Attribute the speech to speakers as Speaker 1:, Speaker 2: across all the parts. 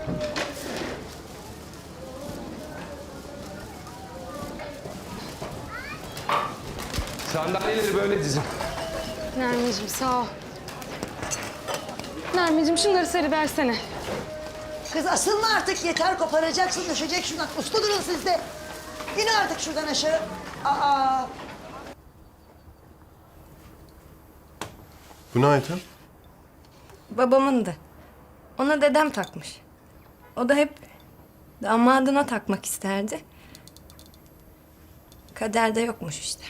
Speaker 1: Sandalyeleri böyle dizin.
Speaker 2: Nermin'cim sağ ol. Nermin'cim şunları seriversene.
Speaker 3: Kız asılma artık yeter, koparacaksın, düşecek şundan. Usta durun siz de. İn artık şuradan aşağı. Aa.
Speaker 4: Bu ne Ayten?
Speaker 5: Babamındı. Ona dedem takmış. O da hep damadına takmak isterdi. Kaderde yokmuş işte.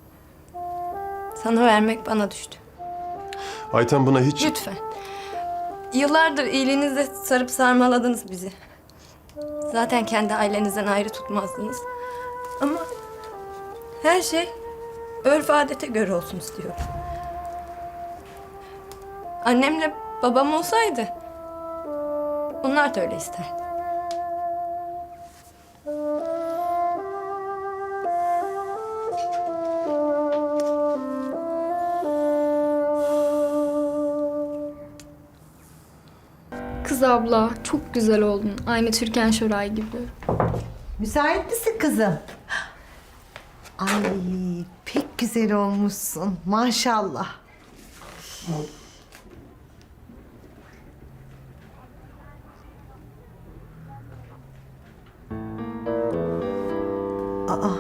Speaker 5: Sana vermek bana düştü.
Speaker 4: Ayten buna hiç...
Speaker 5: Lütfen. Yıllardır iyiliğinizle sarıp sarmaladınız bizi. Zaten kendi ailenizden ayrı tutmazdınız. Ama her şey örf adete göre olsun istiyorum. Annemle babam olsaydı onlar da öyle isterdi.
Speaker 6: Kız abla çok güzel oldun. Aynı Türkan Şoray gibi.
Speaker 7: Müsait misin kızım? Ay pek güzel olmuşsun maşallah. Aa,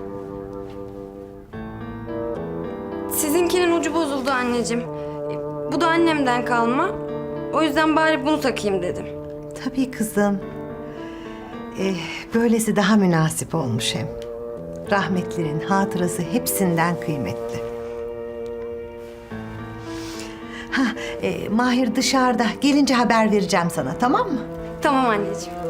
Speaker 5: Sizinkinin ucu bozuldu anneciğim. Bu da annemden kalma. O yüzden bari bunu takayım dedim.
Speaker 7: tabii kızım. Böylesi daha münasip olmuş hem. Rahmetlerin hatırası hepsinden kıymetli. Ha, Mahir dışarıda. Gelince haber vereceğim sana, tamam mı?
Speaker 5: Tamam anneciğim.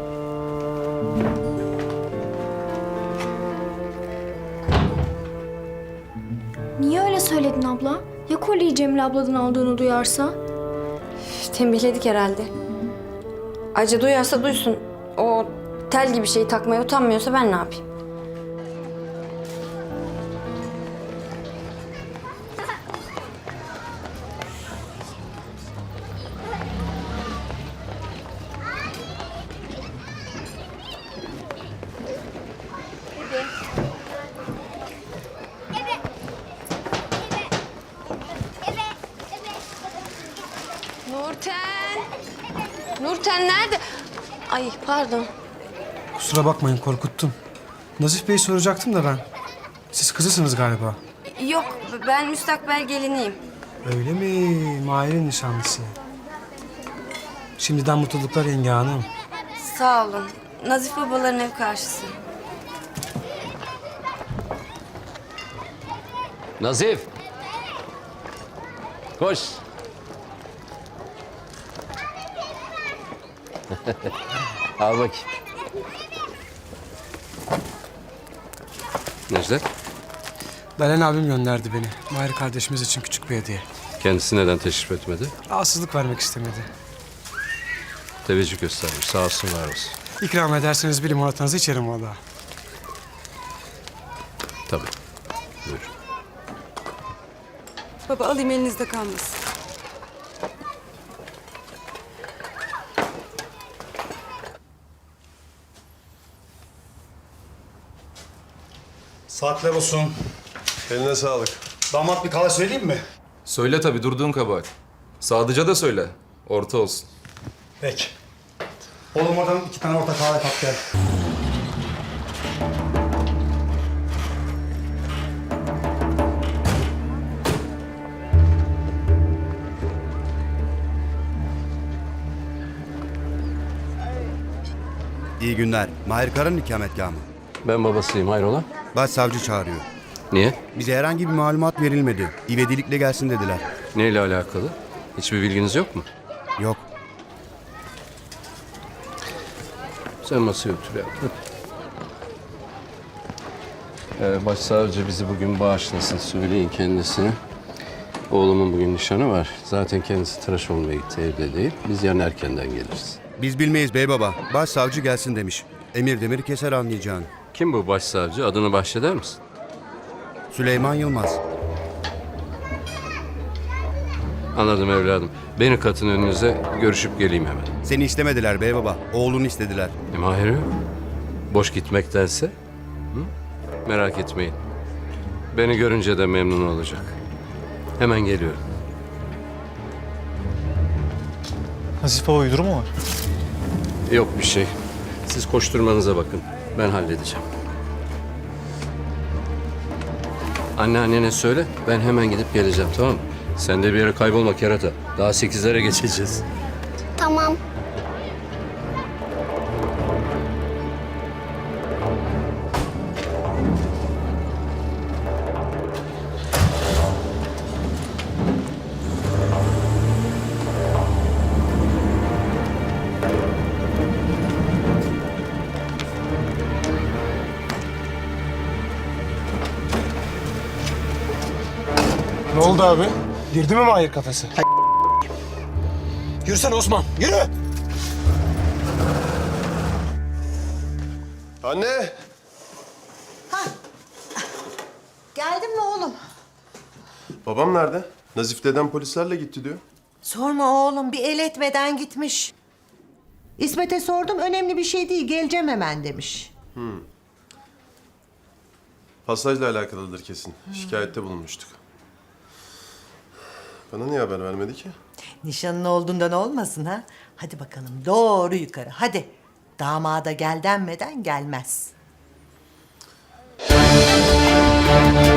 Speaker 6: Niye öyle söyledin abla? Ya kolyeyi Cemile abladan aldığını duyarsa?
Speaker 5: Tembihledik herhalde. Ayrıca duyarsa duysun. O tel gibi şeyi takmaya utanmıyorsa ben ne yapayım? Nurten! Nurten nerede? Ay pardon.
Speaker 8: Kusura bakmayın korkuttum. Nazif Bey'i soracaktım da ben. Siz kızısınız galiba.
Speaker 5: Yok ben müstakbel geliniyim.
Speaker 8: Öyle mi? Mahir'in nişanlısı. Şimdiden mutluluklar yenge hanım.
Speaker 5: Sağ olun. Nazif babaların ev karşısı.
Speaker 1: Nazif. Koş. Al bakayım. Necdet,
Speaker 8: Dalen abim gönderdi beni. Mahir kardeşimiz için küçük bir hediye.
Speaker 1: kendisi neden teşrif etmedi?
Speaker 8: Rahatsızlık vermek istemedi.
Speaker 1: Teveccüh göstermiş. Sağ olsun, var olsun.
Speaker 8: İkram ederseniz bir limonatanızı içerim valla.
Speaker 1: Tabii. Buyur.
Speaker 2: Baba alayım elinizde kalmasın.
Speaker 9: Saatler olsun.
Speaker 4: Eline sağlık.
Speaker 9: Damat bir kahve söyleyeyim mi?
Speaker 10: Söyle tabii, durduğun kabahat. Sadıca da söyle. Orta olsun.
Speaker 9: Peki. Oğlum oradan 2 tane orta kahve kap gel.
Speaker 11: İyi günler. Mahir Kara'nın ikametgahı mı?
Speaker 1: Ben babasıyım, hayrola?
Speaker 11: Başsavcı çağırıyor.
Speaker 1: Niye?
Speaker 11: Bize herhangi bir malumat verilmedi. İvedilikle gelsin dediler.
Speaker 1: Neyle alakalı? Hiçbir bilginiz yok mu?
Speaker 11: Yok.
Speaker 1: Sen masaya otur ya. Başsavcı bizi bugün bağışlasın. Söyleyin kendisine. Oğlumun bugün nişanı var. Zaten kendisi tıraş olmaya gitti, evde değil. Biz yarın erkenden geliriz.
Speaker 11: Biz bilmeyiz bey baba. Başsavcı gelsin demiş. Emir demiri keser anlayacağını.
Speaker 1: Kim bu başsavcı? Adını bahşeder misin?
Speaker 11: Süleyman Yılmaz.
Speaker 1: Anladım evladım. Beni katın önünüze, görüşüp geleyim hemen.
Speaker 11: Seni istemediler bey baba. Oğlunu istediler.
Speaker 1: Mahir yok. Boş gitmektense. Hı? Merak etmeyin. Beni görünce de memnun olacak. Hemen geliyorum.
Speaker 9: Nazif baba uydurumu mu var?
Speaker 1: Yok bir şey. Siz koşturmanıza bakın. Ben halledeceğim. Anneannene söyle. Ben hemen gidip geleceğim, tamam mı? Sen de bir yere kaybolma kerata. Daha 8'lere geçeceğiz.
Speaker 6: Tamam.
Speaker 9: Ne oldu abi? Girdi mi Mahir kafese? Yürüsene Osman, yürü!
Speaker 4: Anne!
Speaker 7: Geldin mi oğlum?
Speaker 4: Babam nerede? Nazif dedem polislerle gitti diyor.
Speaker 7: Sorma oğlum, bir el etmeden gitmiş. İsmet'e sordum, önemli bir şey değil, geleceğim hemen demiş.
Speaker 4: Pasajla alakalıdır kesin. Şikayette bulunmuştuk. Bana niye haber vermedi ki?
Speaker 7: Nişanın olduğundan olmasın ha? Hadi bakalım, doğru yukarı, hadi. Damada gel denmeden gelmez.